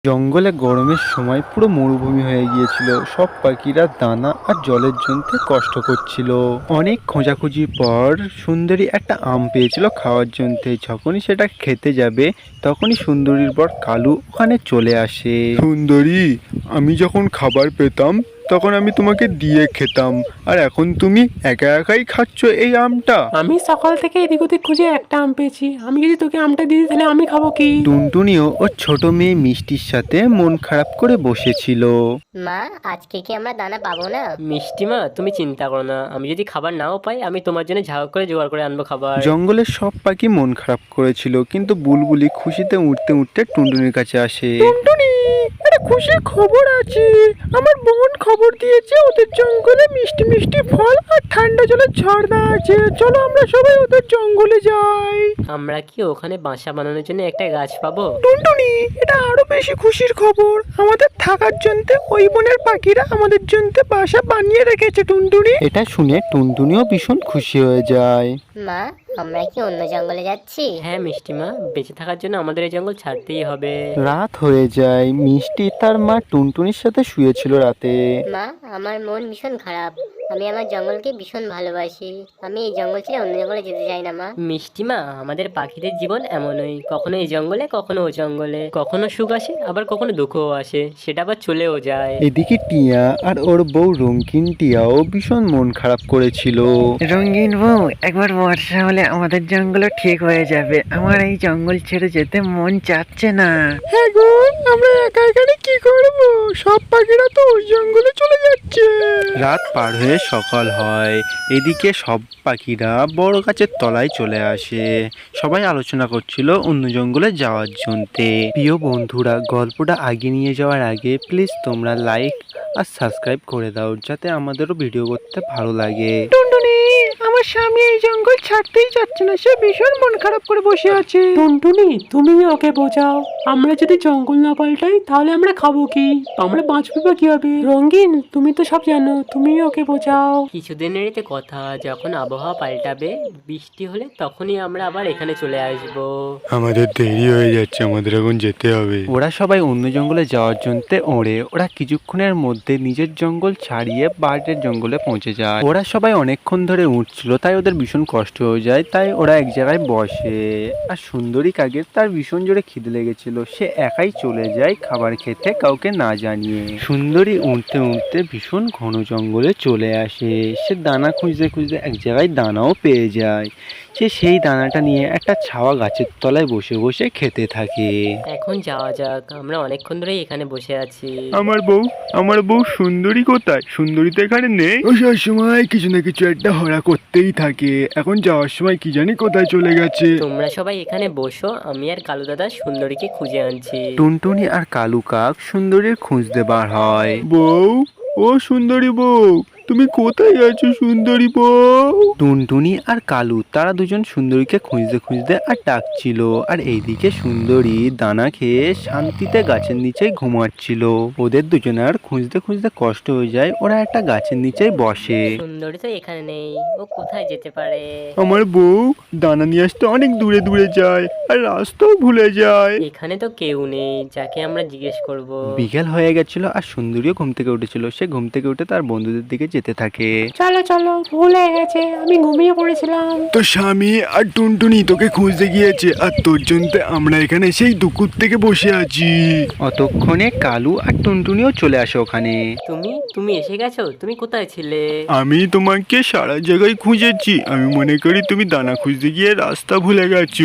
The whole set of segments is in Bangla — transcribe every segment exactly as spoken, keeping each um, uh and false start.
জঙ্গলে গরমের সময় পুরো মরুভূমি হয়ে গিয়েছিল। সব পাখিরা দানা আর জলের জন্য কষ্ট করছিল। অনেক খোঁজাখুঁজির পর সুন্দরী একটা আম পেয়েছিল খাওয়ার জন্য। যখনই সেটা খেতে যাবে তখনই সুন্দরীর বর কালু ওখানে চলে আসে। সুন্দরী, আমি যখন খাবার পেতাম তখন আমি তোমাকে দিয়ে খেতাম, আর এখন তুমি একা একাই খাচ্ছ এই আমটা। আমি সকাল থেকে এদিক ওদিক খুঁজে একটা আম পেয়েছি। আমি যদি তোকে আমটা দিই তাহলে আমি খাবো কি? টুনটুনিও ওর ছোট মেয়ে মিষ্টির সাথে মন খারাপ করে বসেছিল। মা, আজকে কি আমরা দানা পাবো না? মিষ্টিমা, তুমি চিন্তা করো না। আমি যদি খাবার নাও পাই, আমি তোমার জন্য ঝাড় করে জোগাড় করে আনবো খাবার। জঙ্গলের সব পাখি মন খারাপ করেছিল, কিন্তু বুলবুলি খুশিতে উঠতে উঠতে টুনটুনির কাছে আসে। টুনটুনি, একটা খুশির খবর আছে। আমার বোন খবর দিয়েছে ওদের জঙ্গলে মিষ্টি মিষ্টি ফল আর ঠান্ডা জলের ঝর্ণা আছে। চলো আমরা সবাই ওদের জঙ্গলে যাই। আমরা কি ওখানে বাসা বানানোর জন্য একটা গাছ পাবো? টুনটুনি, এটা আরো বেশি খুশির খবর। আমাদের থাকার জন্য ওই বনের পাখিরা আমাদের জন্য বাসা বানিয়ে রেখেছে। টুনটুনি এটা শুনে টুনটুনিও ভীষণ খুশি হয়ে যায়। মা, আমরা কি অন্য জঙ্গলে যাচ্ছি? হ্যাঁ মিষ্টিমা, বেঁচে থাকার জন্য আমাদের এই জঙ্গল ছাড়তেই হবে। রাত হয়ে যায়। মিষ্টি তার মা টুনটুনির সাথে শুয়েছিল রাতে। মা, আমার মন ভীষণ খারাপ। আমি আমার জঙ্গলকে ভীষণ ভালোবাসি। আমি এই জঙ্গল ছেড়ে অন্য জঙ্গলে যেতে চাই না মা। মিষ্টিমা, আমাদের পাখিদের জীবন এমনই, কখনো এই জঙ্গলে কখনো ও জঙ্গলে, কখনো সুখ আসে আবার কখনো দুঃখও আসে, সেটা আবার চলেও যায়। এদিকে টিয়া আর ওর বউ রঙিন টিয়াও ভীষণ মন খারাপ করেছিল। রঙিন বউ, একবার বর্ষা হলে আমাদের জঙ্গল ঠিক হয়ে যাবে। আমার এই জঙ্গল ছেড়ে যেতে মন চাচ্ছে না। হ্যাঁ গো, আমরা একা এখানে কি করব? সব পাখিরা তো ওই জঙ্গলে চলে যাচ্ছে। রাত পার হয়ে সকাল হয়। এদিকে সব পাখিরা বড় গাছের তলায় চলে আসে। সবাই আলোচনা করছিল অন্য জঙ্গলে যাওয়ার জন্যে। প্রিয় বন্ধুরা, গল্পটা আগে নিয়ে যাওয়ার আগে প্লিজ তোমরা লাইক আর সাবস্ক্রাইব করে দাও, যাতে আমাদেরও ভিডিও করতে ভালো লাগে। টুনটুনি, আমার স্বামী এই জঙ্গল ছাড়তেই যাচ্ছে না। সে ভীষণ মন খারাপ করে বসে আছে। টুনটুনি, তুমি ওকে বোঝাও। আমরা যদি জঙ্গল না পাল্টাই তাহলে আমরা খাবো কি? আমরা বাঁচবো বা কিভাবে? রঙ্গিন, তুমি তো সব জানো, তুমি ওকে বোঝাও। কিছুদিনের তো কথা, যখন আবহাওয়া পাল্টাবে, বৃষ্টি হলে তখনই আমরা আবার এখানে চলে আসবো। আমাদের দেরি হয়ে যাচ্ছে, আমাদের এখন যেতে হবে। ওরা সবাই অন্য জঙ্গলে যাওয়ার জন্য ওড়ে। ওরা কিছুক্ষণের মধ্যে নিজের জঙ্গল ছাড়িয়ে বাইরের জঙ্গলে পৌঁছে যায়। ওরা সবাই অনেকক্ষণ ধরে উঠছিল, তাই ওদের ভীষণ কষ্ট হয়ে যায়। তাই ওরা এক জায়গায় বসে। আর সুন্দরী কাকের তার ভীষণ জোরে খিদে লেগেছিল। সে একাই চলে যায় খাবার খেতে, কাউকে না জানিয়ে। সুন্দরী উঠতে উঠতে ভীষণ ঘন জঙ্গলে চলে আসে। সে দানা খুঁজতে খুঁজতে এক জায়গায় দানাও পেয়ে যায়। সে সেই দানাটা নিয়ে একটা ছাওয়া গাছের তলায় বসে বসে খেতে থাকে। এখন যাওয়া যাক, আমরা অনেকক্ষণ ধরেই এখানে বসে আছি। আমার বউ, আমার বউ সুন্দরী কোথায়? সুন্দরী তো এখানে নেই। ও সব সময় কিছু না কিছু একটা হরা করতেই থাকে। এখন যাওয়ার সময় কি জানি কোথায় চলে গেছে। তোমরা সবাই এখানে বসো, আমি আর কালু দাদা সুন্দরীকে খুঁজে আনছি। টুনটুনি আর কালু কাক সুন্দরীর খুঁজতে বার হয়। বউ, ও সুন্দরী বউ, তুমি কোথায় আছো সুন্দরী বউ? টুনটুনি আর কালু তারা দুজন সুন্দরীকে খুঁজতে খুঁজতে আর ডাকছিল। আর এইদিকে সুন্দরী দানা খেয়ে শান্তিতে গাছের নিচে ঘুমাচ্ছিল। ওদের দুজনের খুঁজতে খুঁজতে কষ্ট হয়ে যায়। ওরা একটা গাছের নিচে বসে। সুন্দরী তো এখানে নেই, ও কোথায় যেতে পারে? আমার বউ দানা নিয়ে আসতে অনেক দূরে দূরে যায়, আর রাস্তাও ভুলে যায়। এখানে তো কেউ নেই যাকে আমরা জিজ্ঞেস করব। বিকেল হয়ে গেছিল আর সুন্দরীও ঘুম থেকে উঠেছিল। সে ঘুম থেকে উঠে তার বন্ধুদের দিকে যেতে থাকে। চলো চলো, ভুল হয়ে গেছে, আমি ঘুমিয়ে পড়েছিলাম। তোর স্বামী আর টুনটুনি তোকে খুঁজতে গিয়েছে, আর তোর জন্য আমরা এখানে সেই দুপুর থেকে বসে আছি। অতক্ষণে কালু আর টুনটুনিও চলে আসে ওখানে। তুমি তুমি এসে গেছো? তুমি কোথায় ছিলে? আমি তোমাকে সারা জায়গায় খুঁজেছি। আমি মনে করি তুমি দানা খুঁজতে গিয়ে রাস্তা ভুলে গেছো।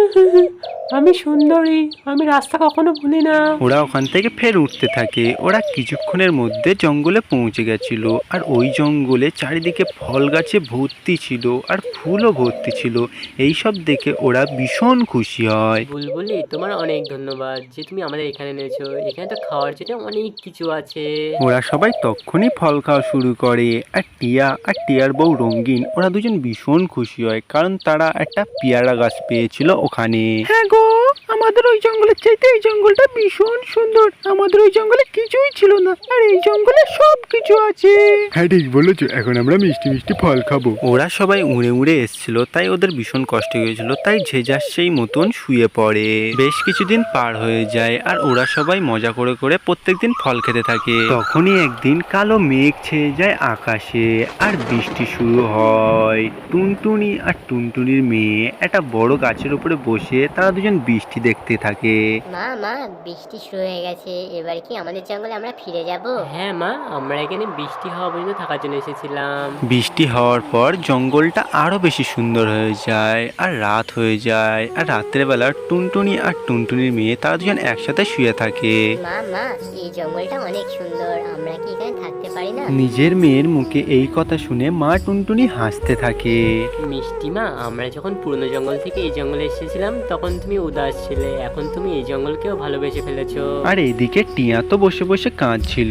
আমি সুন্দরী, আমি রাস্তা কখনো ভুলি না। ওরা ওখান থেকে ফের উঠতে থাকে। ওরা কিছুক্ষণের মধ্যে জঙ্গলে পৌঁছে গেছিল। আর ওই জঙ্গলে চারিদিকে ফল গাছে ভর্তি ছিল আর ফুলও ভর্তি ছিল। এই সব দেখে ওরা ভীষণ খুশি হয়। বুলবুলি, তোমার অনেক ধন্যবাদ যে তুমি আমাদের এখানে এনেছো। এখানে তো খাওয়ার জন্য অনেক কিছু আছে। ওরা সবাই তখনই ফল খাওয়া শুরু করে। আর টিয়া আর টিয়ার বউ রঙিন, ওরা দুজন ভীষণ খুশি হয়, কারণ তারা একটা পেয়ারা গাছ পেয়েছিল ওখানে। হ্যাঁ গো, আমাদের ওই জঙ্গলের চাইতে এই জঙ্গলটা ভীষণ সুন্দর। আমাদের ওই জঙ্গলে কিছুই ছিল না, আর এই জঙ্গলে সব কিছু আছে। হ্যাঁ ঠিক বলেছো, এখন আমরা মিষ্টি মিষ্টি ফল খাবো। ওরা সবাই উড়ে উড়ে এসেছিল, তাই ওদের ভীষণ কষ্ট হয়েছিল, তাই যে যার সেই মতন শুয়ে পড়ে। বেশ কিছুদিন পার হয়ে যায় আর ওরা সবাই মজা করে করে প্রত্যেকদিন ফল খেতে থাকে। তখনই একদিন কালো মেঘ ছেয়ে যায় আকাশে আর বৃষ্টি শুরু হয়। টুনটুনি আর টুনটুনির মেয়ে একটা বড় গাছের উপরে বসে তারা দুজন বৃষ্টি দেখতে থাকে। মা মা বৃষ্টি শুরু হয়ে গেছে, এবার কি আমাদের জঙ্গলে আমরা ফিরে যাব? হ্যাঁ মা, আমরা এখানে বৃষ্টি হওয়া পর্যন্ত থাকার জন্য এসেছিলাম। বৃষ্টি হওয়ার পর জঙ্গলটা আরো বেশি সুন্দর হয়ে যায় আর রাত হয়ে যায়। আর রাত্রের বেলা টুনটুনি আর টুনটুনির মেয়ে তারা দুজন একসাথে শুয়ে থাকে। মা মা এই জঙ্গলটা অনেক সুন্দর, আমরা কি এখানে থাকতে পারি না? নিজের মেয়ের মুখে এই কথা শুনে মা টুনটুনি হাসতে থাকে। মিষ্টি মা, আমরা যখন পুরনো জঙ্গল থেকে এই জঙ্গলে এসেছিলাম তখন তুমি উদাস ছিলে, এখন তুমি এই জঙ্গলকেও ভালোবেসে ফেলেছো। আর এদিকে টিয়া তো বসে বসে কাঁদছিল।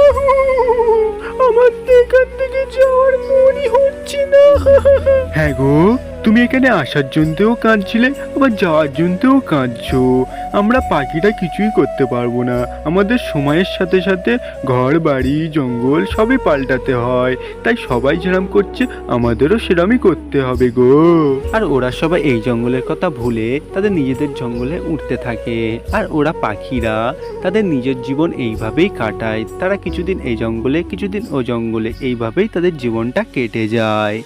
আমার এখান থেকে যাওয়ার মনই হচ্ছে না। হ্যাঁ গো, তুমি এখানে আসার জন্যও কাঁদছিলে, আবার যাওয়ার জন্যও কাঁদছো। আমরা পাখিটা কিছুই করতে পারবো না, আমাদের সময়ের সাথে সাথে ঘর বাড়ি জঙ্গল সবই পাল্টাতে হয়, তাই সবাই যেরাম করছে আমাদেরও সেরামই করতে হবে গো। আর ওরা সবাই এই জঙ্গলের কথা ভুলে তাদের নিজেদের জঙ্গলে উঠতে থাকে। আর ওরা পাখিরা তাদের নিজের জীবন এইভাবেই কাটায়। তারা কিছুদিন এই জঙ্গলে কিছুদিন ও জঙ্গলে, এইভাবেই তাদের জীবনটা কেটে যায়।